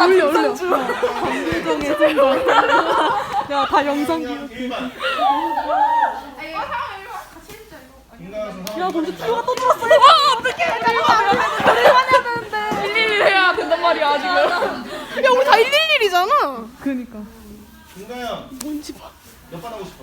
올려. 감동의 순간. 야, 다 영상 기록해. 야, 근데 티오가 또 들었어. 어떡해. 잠깐만. 111 해야 된단 말이야 지금. 야, 우리 다 111이잖아. 그니까. 김가연 뭔지 봐. 몇 번 하고 싶어?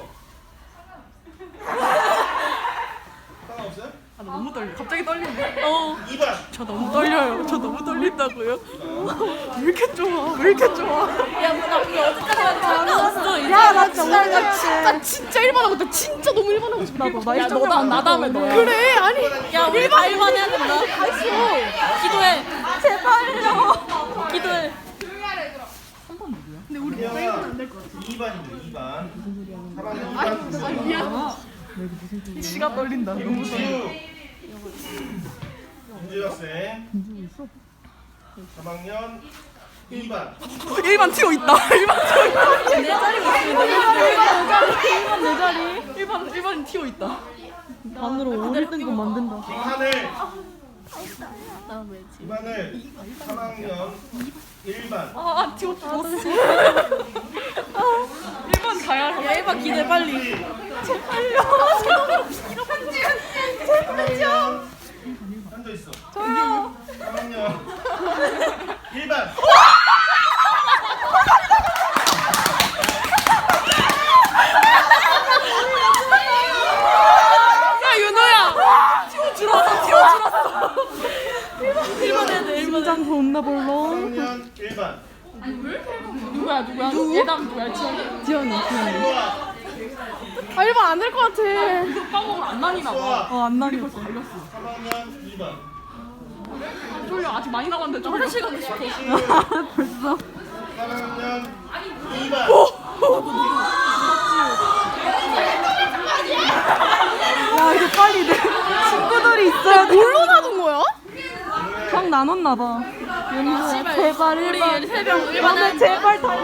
하나 없어요? 아, 나 너무 떨려. 갑자기 떨리네. 2번 저 너무 떨려요. 저 너무 떨린다고요. 왜 이렇게 좋아? 왜 이렇게 좋아? 야나 그게 어디까지 상관없어 이제. 야, 나 진짜 나 진짜 1번 하고 싶다. 진짜 너무 1번 하고 싶다. 나도. 나 야, 나 다음에 너야. 그래, 아니. 야 우리 다 일반 해야 된다. 기도해. 제발요. 기도해. 민영아 2번입니다 2번 3학년 2번 지가 떨린다. 너무 김지우 김지우 학생 3학년 2번 1반 튀어 있다. 1반 튀어 있다. 내 자리가 있으면 1반 내 자리. 1반 튀어 있다. 반으로 5등급 만든다. 김하늘 나 왜지? 김하늘 3학년 1반 아, 튀어 죽었어. 1반 가야 해. 야 1번 기도해 빨리. 제발요 앉아있어 저요 3학년 1반 야, 윤호야. 튀어 줄었어. 1번 해야 돼 1번. 심장 존나 벌렁. 3학년 1반 누구야? 예담 누구야? 지연이. 수아 아, 1번 안 될 것 같아. 이거 까먹으면 안 나뉘나 봐. 수아 안 나뉘었어. 3학년 2반 쫄려. 아직 많이 남았는데 쫄려. 화장실 가고 싶어. 벌써. 3학년 2반 야, 이거 빨리 내 친구들이 있어야 돼. 뭘로 나눈 거야? 각 나눴나 봐. 연희야, 제발 우리 1번. 3명 1번 나는 하는 제발 다.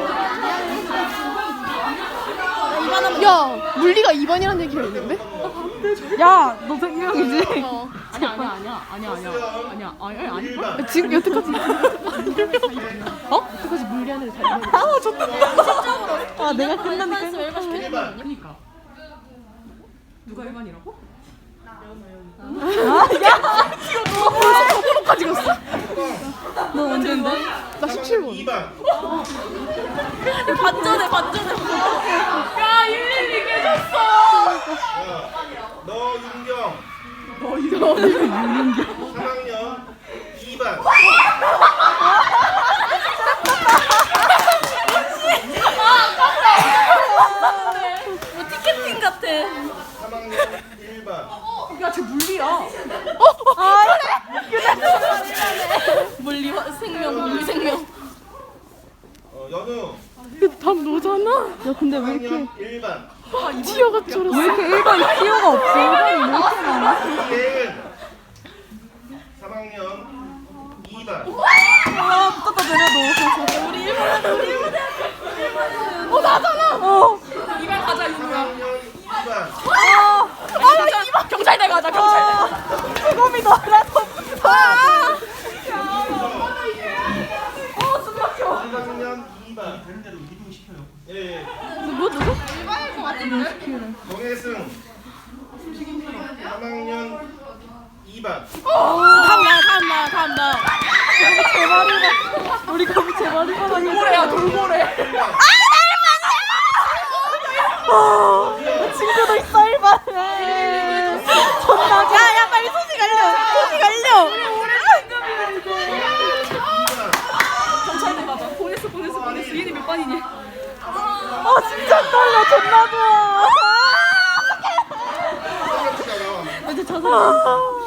2번 하면 야, 물리가 2번이라는 얘기가 있는데? 야, 너 생명이지? 아니야. 1반 지금 여태까지. 여태까지 물리하는 애를 다 이겨. 아, 좋다. 아, 내가 끝나니까. 1번 시켜. 1반 그러니까. 누가 1반이라고? 서브로까지 갔어. 너 언제인데? 나 17번. 2반 반전해. 야, 112 깨졌어. 너윤경 너 이거 3학년 2반 뭐 티켓팅 같아. 3학년 1반 야, 쟤 물리야. 물리 생명. 연우 답 너잖아. 야, 근데 왜 이렇게 3학년 1반 티어가 줄었어? 왜 이렇게 1번 티어가 없어? 1번이 왜 이렇게 많아? 이예은 3학년 2반 붙었다 내려도. 우리 1번 나잖아. 2반 가자, 윤호야. 3학년 2반 경찰대 가자, 경찰대. 수검이다. 나도. 3학년 2반 되는 대로 이동시켜요. 예. 누구? 정혜승 3학년 2반 다음 나. 우리 거기 제발이 돌고래야, 돌고래. 친구도 있어 1번. 존나. 야, 빨리 소식 알려. 2반 경찰대 가자. 보냈어. 얘네 몇 반이니? 진짜 떨려. 존나 좋아. 아! 이제 저 사람.